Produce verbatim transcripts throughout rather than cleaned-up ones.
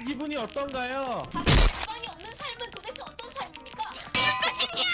작은 기분이 어떤가요? 가방이 없는 삶은 도대체 어떤 삶입니까? 죽고 싶냐?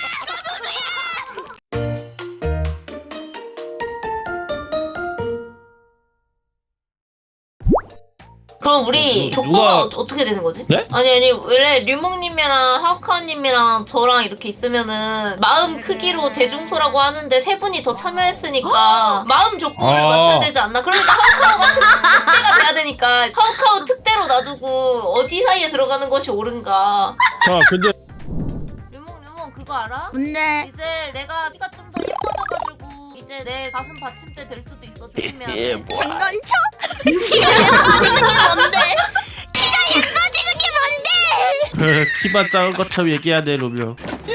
그럼 우리 누- 조건은 누가- 어, 어떻게 되는 거지? 네? 아니 아니 원래 류몽님이랑 하우카님이랑 저랑 이렇게 있으면은 마음 크기로 대중소라고 하는데 세 분이 더 참여했으니까 마음 조건을 아. 맞춰야 되지 않나? 그러니까 하우카우가 특대가 돼야 되니까 하우카우 특대로 놔두고 어디 사이에 들어가는 것이 옳은가? 자 근데 류몽 류몽 그거 알아? 뭔데? 이제 내가 키가 좀 더 예뻐져가지고 이제 내 가슴 받침대 될 수도 있어. 조심해야 예, 돼. 뭐. 장난쳐? 키가 예뻐지는 게 뭔데? 키가 예뻐지는 게 뭔데? 키만 작은 것처럼 얘기해야 돼 로미오.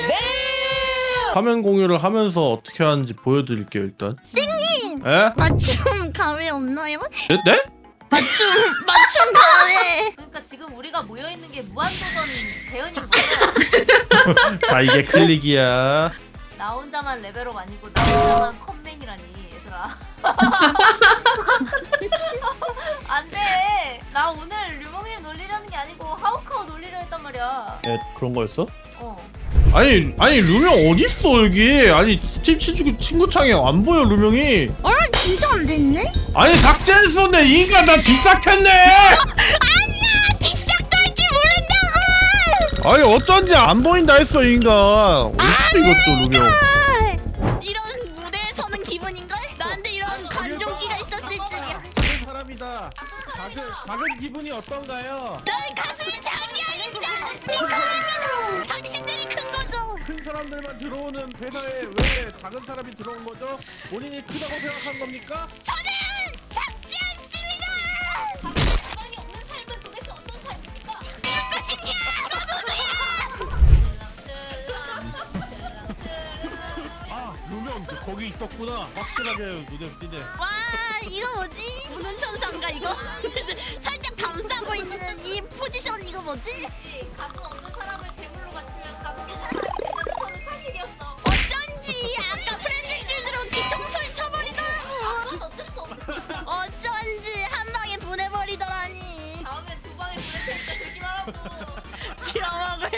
화면 공유를 하면서 어떻게 하는지 보여드릴게요 일단. 쌤님! 에? 맞춤 가위 없나요? 네? 네? 맞춤 맞춤 가위. 그러니까 지금 우리가 모여 있는 게 무한도전 재현인 거야. 자 이게 클릭이야. 나 혼자만 레벨업 아니고 나 혼자만 컴맹이라니 얘들아. 안돼. 나 오늘 류몽님 놀리려는 게 아니고 하우카우 놀리려 했단 말이야. 에 그런 거였어? 어. 아니 아니 루명 어디 있어 여기? 아니 스팀 친구 친구 창에 안 보여 루명이. 어 진짜 안 됐네? 아니 삭제했었네 이 인간 나 뒤싹했네. 아니야 뒷싹도 할 줄 모른다고. 아니 어쩐지 안 보인다 했어 이 인간. 어딨어 이것도 루명. 아, 이런 무대에 서는 기분인걸? 나한테 이런 관종기가 있었을 줄이야. 작은 사람이다. 작은 작은 기분이 어떤가요? 너의 가슴이 장기하겠다. 핑크입니다. 당신들이 큰 거죠. 큰 사람들만 들어오는 회사에 왜 작은 사람이 들어온 거죠? 본인이 크다고 생각한 겁니까? 저는 작지 않습니다. 가방이 없는 삶은 도대체 어떤 삶입니까? 죽고 싶냐? 아 루명 너 거기 있었구나. 확실하게 눈에 띄네. 와 이거 뭐지? 무는 천사인가 이거? 살짝 감싸고 있는 이 포지션 이거 뭐지? 가슴 없는 사람을 제물로 바치면 가슴 있는 사람이 되는 저는 사실이었어. 어쩐지 아까 프렌드 실드로 뒤통수를 쳐버리더라고. 그건 어쩔 수 없어. 어쩐지 한 방에 보내버리더라니. 다음엔 두 방에 보낼 테니까 조심하라고. 빌어먹을